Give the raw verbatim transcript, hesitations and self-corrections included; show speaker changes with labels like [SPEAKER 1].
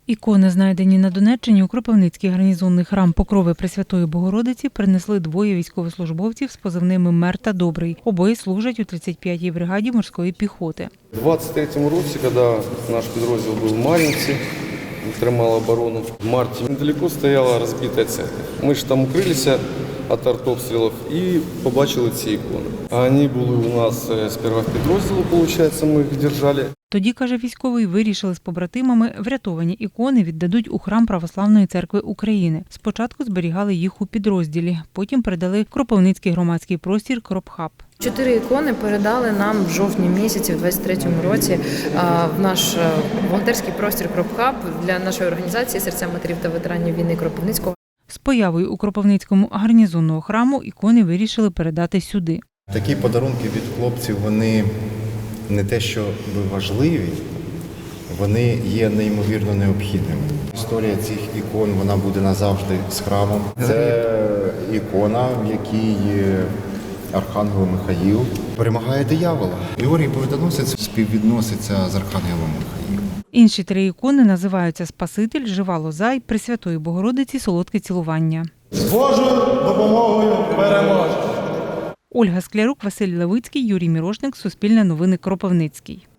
[SPEAKER 1] Ікони, знайдені на Донеччині у Кропивницький гарнізонний храм Покрови Пресвятої Богородиці, принесли двоє військовослужбовців з позивними «Мер» та «Добрий». Обоє служать у тридцять п'ятій бригаді морської піхоти.
[SPEAKER 2] У двадцять третьому році, коли наш підрозділ був в Мар'їнці, тримав оборону, в марті недалеко стояла розбита церква. Ми ж там укрилися від артобстрілів і побачили ці ікони. А вони були у нас сперва в підрозділі, виходить, ми їх держали.
[SPEAKER 1] Тоді, каже військовий, вирішили з побратимами, врятовані ікони віддадуть у храм Православної церкви України. Спочатку зберігали їх у підрозділі, потім передали Кропивницький громадський простір «Кропхаб».
[SPEAKER 3] Чотири ікони передали нам в жовтні місяці, в двадцять третьому році, в наш волонтерський простір «Кропхаб» для нашої організації «Серця матерів та ветеранів війни Кропивницького».
[SPEAKER 1] З появою у Кропивницькому гарнізонного храму ікони вирішили передати сюди.
[SPEAKER 4] Такі подарунки від хлопців, вони не те, що важливі, вони є неймовірно необхідними. Історія цих ікон, вона буде назавжди з храмом. Це ікона, в якій Архангел Михаїл перемагає диявола. Георгій Победоносець співвідноситься з Архангелом Михаїлом.
[SPEAKER 1] Інші три ікони називаються «Спаситель», «Жива лоза» й «Пресвятої Богородиці солодке цілування».
[SPEAKER 5] З Божою допомогою переможемо!
[SPEAKER 1] Ольга Склярук, Василь Левицький, Юрій Мірошник, Суспільне новини, Кропивницький.